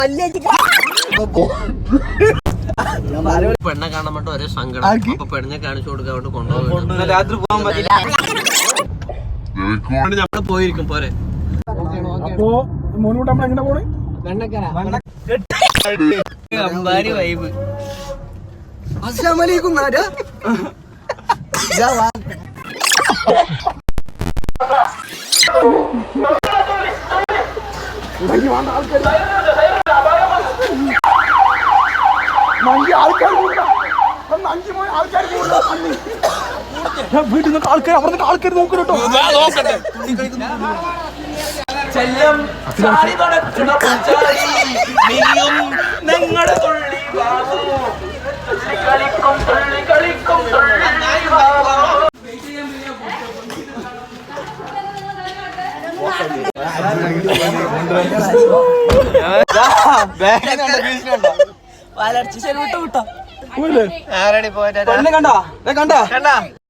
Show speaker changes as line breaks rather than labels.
പെണ്ണെ കാണാൻ വേണ്ടി ഒരേ സങ്കടം. അപ്പൊ പെണ്ണെ കാണിച്ചു കൊടുക്കാൻ വേണ്ടി കൊണ്ടുപോകും.
രാത്രി പോകാൻ പറ്റില്ല.
നമ്മള് പോയിരിക്കും പോരെ.
അപ്പോ മോനോട്ട് നമ്മൾ എങ്ങനെ പോണേ?
അമ്പാരി വൈബ്.
അസ്സലാമലൈക്കും നാരാ.
വീട്ടിൽ നിന്ന് ആൾക്കാർ അവിടെ നിന്ന് ആൾക്കാർ നോക്കട്ടോ.
കണ്ടാ